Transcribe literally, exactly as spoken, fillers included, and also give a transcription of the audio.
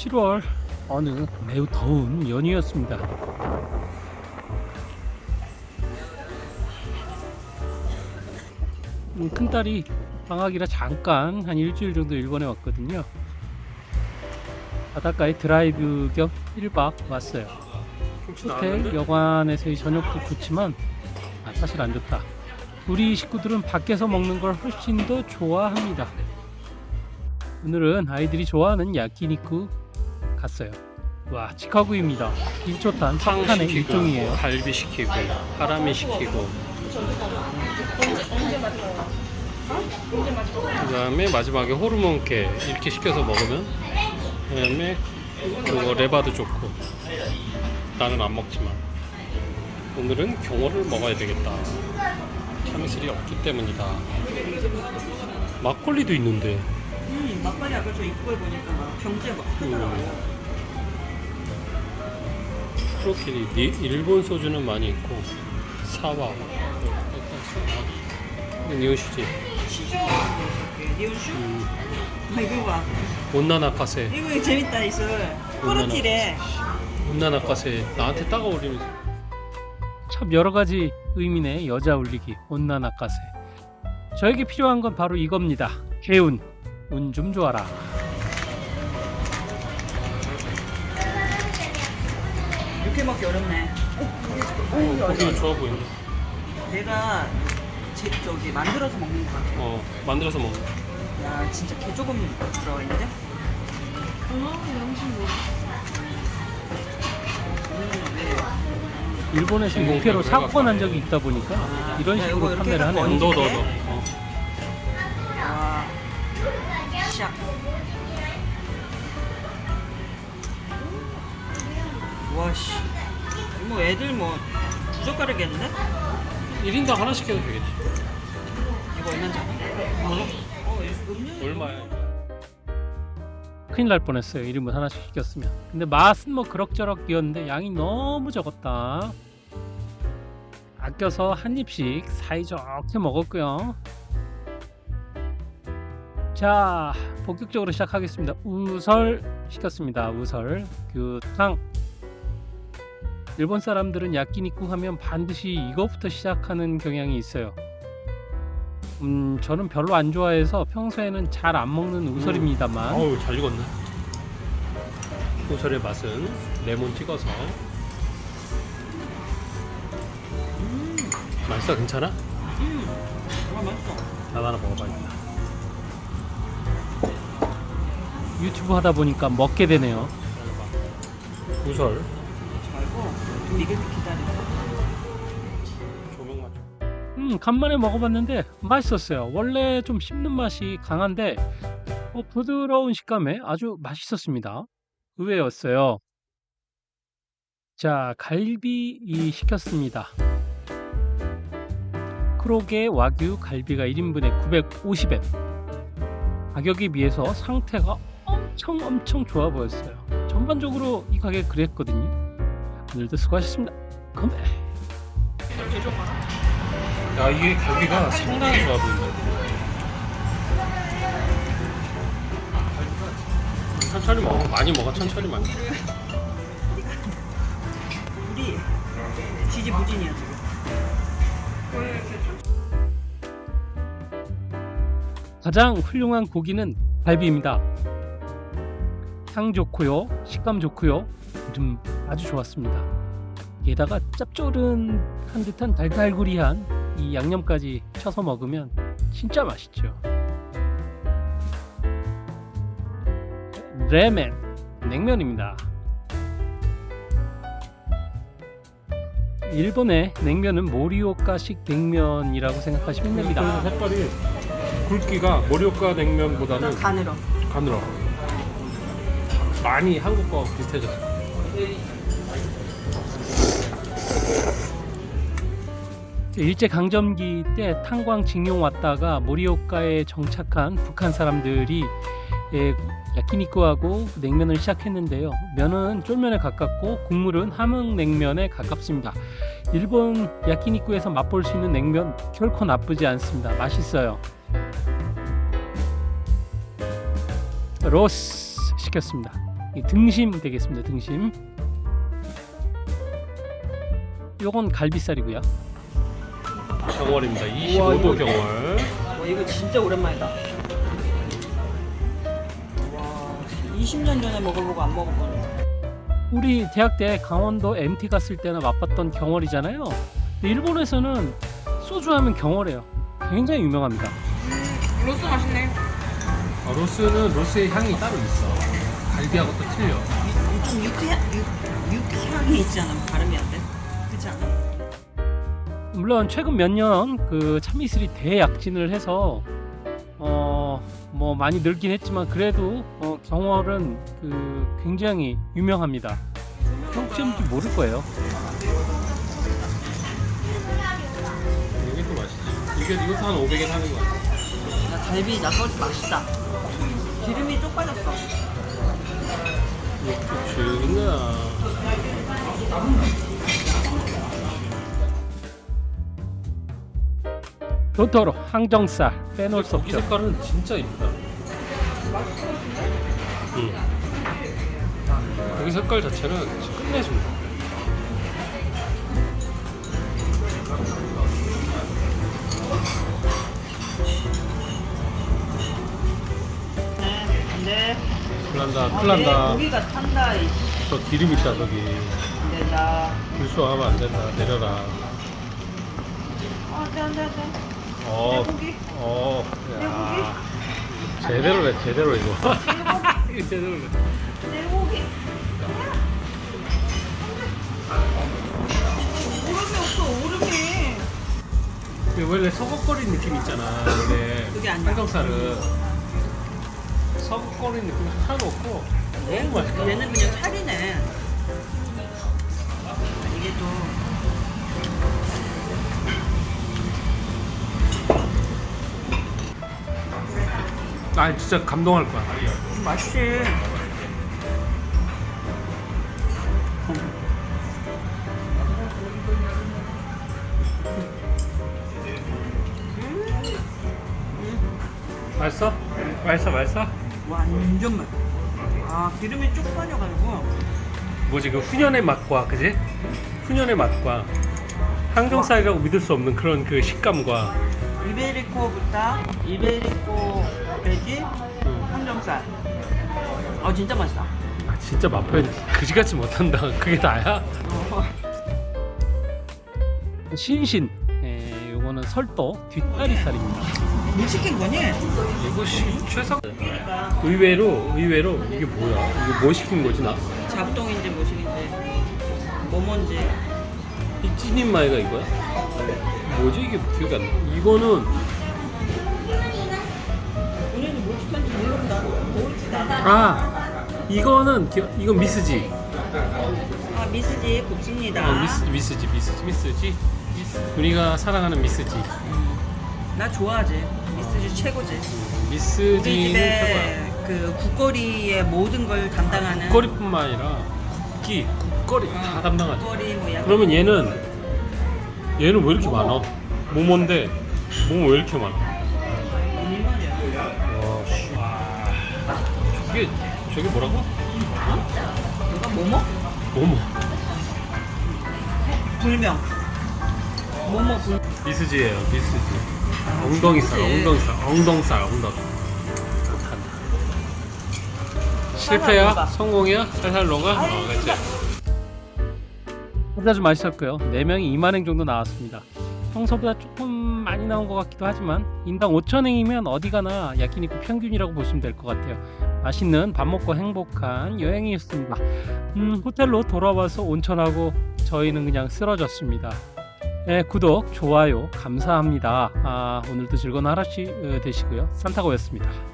칠월 어느 매우 더운 연휴였습니다. 음, 큰딸이 방학이라 잠깐 한 일주일 정도 일본에 왔거든요. 바닷가에 드라이브 겸 일 박 왔어요. 호텔 여관에서의 저녁도 좋지만 아, 사실 안 좋다. 우리 식구들은 밖에서 먹는 걸 훨씬 더 좋아합니다. 오늘은 아이들이 좋아하는 야끼니쿠 갔어요. 와, 치카구입니다. 일조탄 석탄의 일종이에요. 갈비 시키고 하라미 시키고 그 다음에 마지막에 호르몬케 이렇게 시켜서 먹으면, 그 다음에 그거 레바도 좋고. 나는 안 먹지만 오늘은 경어를 먹어야 되겠다. 참이슬이 없기 때문이다. 막걸리도 있는데. 음, 막걸리 아까 저 입구에 보니까 막 병재 막 크더라고요. 음. 프로킬이 일본 소주는 많이 있고 사와 니온슈지 시주 이렇게 니온슈? 음. 아 이거 봐. 온나나카세 이거 재밌다 이슬. 꼬르티래. 온나나카세 나한테 딱 어울리면서. 참 여러가지 의미의 여자 울리기 온나나카세. 저에게 필요한 건 바로 이겁니다. 개운. 운 좀 좋아라. 이렇게 먹기 어렵네. 어, 고기는 좋아 보인다. 내가 제, 저기 만들어서 먹는 거 같아. 어, 만들어서 먹는. 야 진짜 개 조금 들어가 있는데? 일본에서 인공 육회로 배부를 사고가 난 적이 있다 보니까 아, 이런 야, 식으로 이거 판매를 이렇게 하네요. 너, 너, 이렇게? 너. 어. 와. 시작. 와씨. 뭐 애들 뭐 부족하겠는데? 일 인당 하나씩 해도 되겠지. 이거 얼마잖아? 어? 어, 음료. 얼마야? 큰일 날 뻔했어요. 일 인분 하나씩 시켰으면. 근데 맛은 뭐 그럭저럭이었는데 양이 너무 적었다. 아껴서 한 입씩 사이좋게 먹었고요. 자, 본격적으로 시작하겠습니다. 우설 시켰습니다. 우설, 규탕. 일본 사람들은 야끼니쿠 하면 반드시 이거부터 시작하는 경향이 있어요. 음, 저는 별로 안 좋아해서 평소에는 잘 안 먹는 우설입니다만 어우, 잘 익었네. 우설의 맛은 레몬 찍어서. 음. 맛있어? 괜찮아? 음. 와 맛있어. 나도 하나 먹어봐야겠다. 유튜브 하다 보니까 먹게 되네요. 우설 말고 좀 익을 때 기다려. 조명 맞춰. 음, 간만에 먹어봤는데 맛있었어요. 원래 좀 씹는 맛이 강한데 어, 부드러운 식감에 아주 맛있었습니다. 의외였어요. 자, 갈비 이 시켰습니다. 크로게 와규 갈비가 일 인분에 구백오십 엔. 가격에 비해서 상태가 엄청 엄청 좋아 보였어요. 전반적으로 이 가격 그랬거든요. 오늘도 수고하셨습니다. 건배. 야, 이게 고기가 상당히 좋아 보인다. 천천히 먹어. 많이 먹어. 천천히 많이. 우리 지지부진이야 지금. 가장 훌륭한 고기는 갈비입니다. 향 좋고요, 식감 좋고요, 좀 아주 좋았습니다. 게다가 짭조름한 듯한 달달구리한 이 양념까지 쳐서 먹으면 진짜 맛있죠. 레멘 냉면입니다. 일본의 냉면은 모리오카식 냉면이라고 생각하시면 됩니다. 색깔이 굵기가 모리오카 냉면보다는 가늘어. 가늘어. 많이 한국 거 비슷해졌어. 일제 강점기 때 탄광 징용 왔다가 모리오카에 정착한 북한 사람들이 예, 야끼니쿠하고 냉면을 시작했는데요. 면은 쫄면에 가깝고 국물은 함흥냉면에 가깝습니다. 일본 야끼니쿠에서 맛볼 수 있는 냉면 결코 나쁘지 않습니다. 맛있어요. 로스 시켰습니다. 이 등심 되겠습니다. 등심. 요건 갈비살이고요. 경월입니다. 이십오 도 경월. 와 이거 진짜 오랜만이다. 와 이십 년 전에 먹어보고 안 먹어보네. 우리 대학 때 강원도 엠티 갔을 때나 맛봤던 경월이잖아요. 근데 일본에서는 소주하면 경월이에요. 굉장히 유명합니다. 음, 로스 맛있네. 아, 로스는 로스의 향이 따로 있어. 갈비하고 또 틀려. 좀 육향, 육, 육향이 있잖아. 발음이 안 돼. 그렇지 않아? 물론 최근 몇 년 그 참이슬이 대약진을 해서 어 뭐 많이 늘긴 했지만 그래도 어 경월은 그 굉장히 유명합니다. 혹시 모를 거예요. 이게 또 맛있지. 이게 이것도 한 오백에 사는 거야. 야, 갈비 나서지 맛있다. 기름이 쪽 빠졌어. 이것도 죽나. 도토로 항정살 빼놓을 수 고기 없죠. 색깔은 진짜 이쁘다. 응. 고기 색깔 자체는 진짜 끝내준다. 근데 큰일 난다, 아, 큰일 난다. 고기가 탄다. 이 저 기름 있다, 저기. 근데 나 불쇼하면 안 된다. 내려라. 아, 안돼 안돼 안돼. 어, 고기. 어, 야. 제대로래, 제대로 이거. 이거 제대로래. 내 고기. 오름이 없어 오름이. 그 원래 서걱거리는 느낌 있잖아. 원래 그게 아니야. 항정살은 서걱거리는 느낌 하나도 없고 너무 맛있다. 얘는 그냥 살이네. 이게 또 아 진짜 감동할 거야. 맛있지. 맛있어? 맛있어, 맛있어? 완전 맛. 아 기름이 쭉 빠져가지고. 뭐지 그 훈연의 맛과 그지? 훈연의 맛과 항정살이라고 믿을 수 없는 그런 그 식감과 이베리코 부타, 이베리코 돼지, 음. 항정살. 아 진짜 맛있다. 아, 진짜 맛 표현 그지같이 못한다. 그게 다야? 어. 신신. 에, 요거는 설도 뒷다리살입니다. 뭐 시킨 거니? 이것이 최상. 그러니까 의외로 의외로 이게 뭐야? 이게 뭐 시킨 거지 나? 자부동인지 뭐시긴지 뭐 뭔지. 이 찐인 마이가 이거야? 뭐지 이게 기억이 안 나. 이거는 우리는 뭐 시켰는지 모른다. 모르지도 않아. 아 이거는 기, 이건 미스지. 아 미스지 곱습니다. 아 미스 미스지 미스지 미스지. 우리가 사랑하는 미스지. 나 좋아하지. 미스지 최고지. 우리 미스지는 최고야. 집에 그 국거리의 모든 걸 담당하는. 국거리뿐만 아니라 국기, 국거리 다 담당하지. 국거리 뭐 약. 그러면 얘는 얘는 왜 이렇게 많아? 모모인데 모모 왜 이렇게 많아? 와 씨. 저게 저게 뭐라고? 이거 뭐뭐? 모모. 불명. 뭐뭐 불. 미스지예요, 미스지. 엉덩이살, 엉덩이살, 엉덩살, 엉덩이. 못한다. 실패야? 녹아. 성공이야? 살살 녹아? 어, 그렇지. 아주 맛있었고요. 네 명이 이만 행 정도 나왔습니다. 평소보다 조금 많이 나온 것 같기도 하지만 인당 오천 행이면 어디 가나 야키니쿠 평균이라고 보시면 될 것 같아요. 맛있는 밥 먹고 행복한 여행이었습니다. 음, 호텔로 돌아와서 온천하고 저희는 그냥 쓰러졌습니다. 네, 구독, 좋아요 감사합니다. 아, 오늘도 즐거운 하루 되시고요. 산타고였습니다.